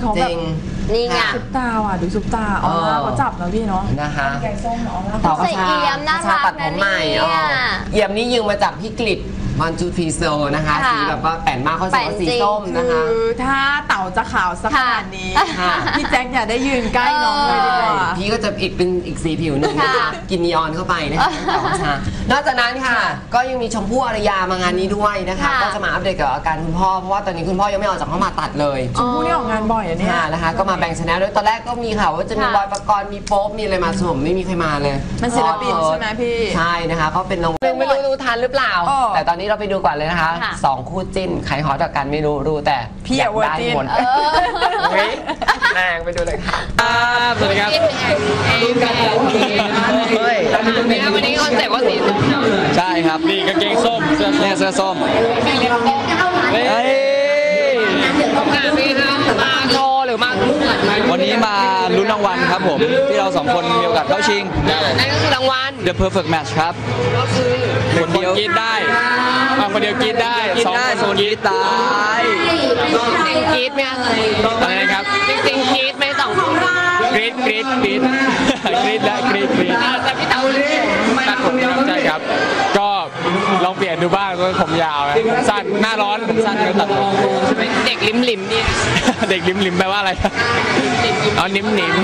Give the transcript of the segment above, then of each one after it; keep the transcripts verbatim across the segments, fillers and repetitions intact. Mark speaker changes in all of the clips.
Speaker 1: เขาแบบ
Speaker 2: นี่ไง
Speaker 1: ซุปตาว่ะดูซุปตาออร่าเขาจับนะพี่เนาะ
Speaker 3: นะคะ
Speaker 1: แกงส้มออร่า
Speaker 2: ต่อใส่เอี่ยมน่ารักนะเนี่ย
Speaker 3: เอี่ยมนี่ยืมมาจากพี่กฤษมันจูพีโซนะคะสีแบบว่าแป่นมากเขาใส่สีส้มนะคะ
Speaker 1: คือถ้าเต่าจะขาวสักขนาดนี้พี่แจ็คอย่าได้ยืนใกล้น้องเลยดีกว่า
Speaker 3: พี่ก็จะอีกเป็นอีกสีผิวหนึ่งนะคะกินนีออนเข้าไปนะคะต่อชานอกจากนั้นค่ะก็ยังมีชมพู่อารยามางานนี้ด้วยนะคะก็จะมาอัปเดตกับอาการคุณพ่อเพราะว่าตอนนี้คุณพ่อยังไม่ออกจากห้องผ่าตัดเลย
Speaker 1: ชมพู่นี่ออกงานบ่อยอ่ะเนี่ย
Speaker 3: นะคะก็มาแบ่งชนะด้วยตอนแรกก็มีข่าวว่าจะมีบอยปกรณ์มีโป๊ปมีอะไรมาสมไม่มีใครมาเลย
Speaker 1: มันศิลปินใช่ไหมพี่
Speaker 3: ใช่นะคะเขาเป็นน้องไม่รู้รู้ทันหรือเปล่าแต่ตอนนี้เราไปดูก่อนเลยนะคะสองคู่จิ้นใครฮอตกันไม่รู้รู้แต่
Speaker 1: พี่อยากได้หมด
Speaker 3: แรงไปดูเลยค่ะ
Speaker 4: สวัสดีครับ
Speaker 2: วันนี้คอนเซ็ปต์ว่าสีส้ม
Speaker 4: ใช่ครับนี่กางเกงส้มเสื้อเสื้อส้มเฮ้ย
Speaker 2: มาโชว์หรือมา
Speaker 4: วันนี้มาลุ้นรางวัลครับผมที่เราสองคนมีโอกาสเข้าชิง
Speaker 2: นั่นก็คือรางวัล
Speaker 4: The Perfect Match ครับ
Speaker 2: คนเดียว
Speaker 4: กินได้คนเดียวกินได้สองคนกินตาย
Speaker 2: จริงกรี๊ดไหม
Speaker 4: อะไรนะครับ
Speaker 2: จริงกรี๊ดไหมสอง
Speaker 4: กรี๊ดกรี๊ดกรี๊ดกรี๊ดและกรี๊ดกรี๊ด
Speaker 2: แต่พี่เต๋า
Speaker 4: ตัดผมใช่ครับก็ลองเปลี่ยนดูบ้างผมยาวสั้นหน้าร้อนสั้นก็ตัดผม
Speaker 2: เด็กลิมลิมนี่
Speaker 4: เด็กลิมลิมแปลว่าอะไรอ๋อนิ่มนิ่ม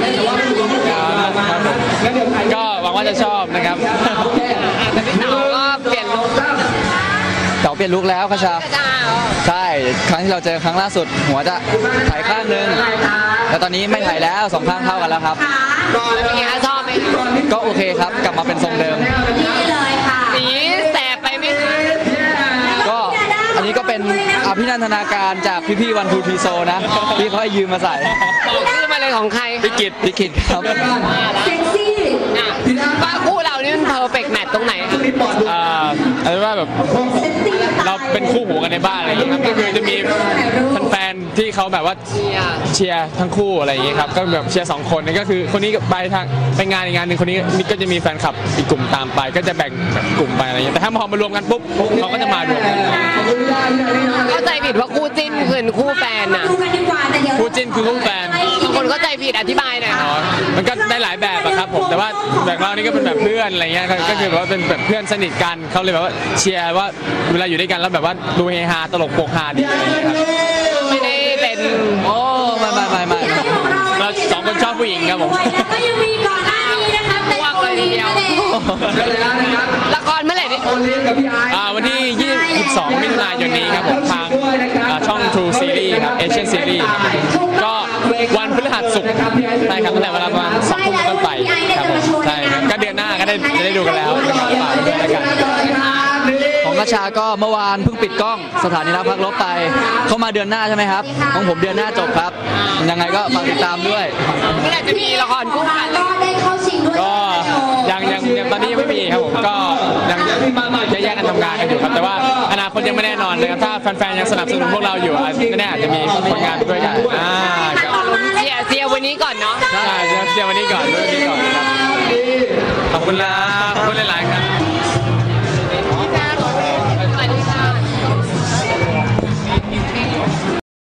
Speaker 4: ก็หวังว่าจะชอบนะครับ
Speaker 2: แต่พี่เต๋าก็เปลี่ยนลุค
Speaker 4: เต๋าเปลี่ยนลุคแล้วคชาใช่ครั้งที่เราเจอครั้งล่าสุดหัวจะถ่ายข้างนึงแต่ตอนนี้ไม่ถ่ายแล้วสองข้างเท่ากันแล้วครับ
Speaker 2: เป็นไงชอบไหม
Speaker 4: ก็โอเคครับกลับมาเป็นทรงเดิม
Speaker 2: สีแสบไปไหมคะ
Speaker 4: ก็อันนี้ก็เป็นอภินันทนาการจากพี่ๆวันทูทีโซนะที่เขาให้ยืมมาใส่
Speaker 2: บอกชื่อมาเลยของใคร
Speaker 4: พี่กิตพี่กิตครับ
Speaker 2: เซ็กซี่ป้าคู่เรานี่มันเพอร์เฟกต์แมทตรงไหนคะ
Speaker 4: อ่าอะไรว่าแบบเราเป็นคู่หูกันในบ้านอะไรอย่างเงี้ยครับก็คือจะมีแฟนๆที่เขาแบบว่าเชียร์ทั้งคู่อะไรอย่างเงี้ยครับก็แบบเชียร์สองคนนี่ก็คือคนนี้ไปทางไปงานอีกงานหนึ่งคนนี้นี่ก็จะมีแฟนคลับอีกกลุ่มตามไปก็จะแบ่งกลุ่มไปอะไรอย่างเงี้ยแต่ถ้าพอมารวมกันปุ๊บเขาก็จะมารวมกัน
Speaker 2: เข้าใจผิดว่าคู่จิ้นคือคู่แฟนน่ะ
Speaker 4: คู่จิ้นคือคู่แฟน
Speaker 2: บางคนเข้าใจผิดอธิบายหน่อย
Speaker 4: มันก็ได้หลายแบบอะครับผมแต่ว่าแบบเรานี่ก็เป็นแบบเพื่อนอะไรเงี้ยก็คือแบบว่าเป็นแบบเพื่อนสนิทกันเขาเลยแบบว่าเชียร์ว่าเวลาอยู่ด้วยกันแล้วแบบว่าดูเฮฮาตลกโปกฮาดีอะไรอย่างเงี้ยครับ
Speaker 2: ไม่ได้เป็น
Speaker 4: โอ้ไม่ไม่ไม่ไม่เราสองคนชอบผู้หญิงครับผม
Speaker 2: ก็ยังมีก่อนหน้านี้นะคะเป็นคนเดียวละครเมื่อไหร่นี่
Speaker 4: วันที่ยี่สิบสองมิถุนายนนี้ครับผมทางช่อง True Series ครับ Asian Series ก็วันพฤหัสศุกร์ใช่ครับตั้งแต่เวลาประมาณสองทุ่มต้นไปครับผมใช่ครับก็เดือนหน้าก็ได้จะได้ดูกันแล้วฝากด้วยกันของกระชาก็เมื่อวานเพิ่งปิดกล้องสถานีรับพักลบไปเข้ามาเดือนหน้าใช่ไหมครับของผมเดือนหน้าจบครับยังไงก็ฝากติดตามด้วย
Speaker 2: เมื่อไหร่จะมีละครคู่กัน
Speaker 4: ก็ยังยังตอนนี้ยังไม่มีครับผมก็ยังจะแยกกันทำงานกันอยู่ครับแต่ว่าอนาคตยังไม่แน่นอนเลยครับถ้าแฟนๆยังสนับสนุนพวกเราอยู่แน่ๆอาจจะมีผลงานด้วยกันอ่า
Speaker 2: เชียร์เชียร์วันนี้ก่อนเนาะ
Speaker 4: ใช่เชียร์วันนี้ก่อนวันนี้ก่อนครับขอบคุณนะขอบคุณหลายๆ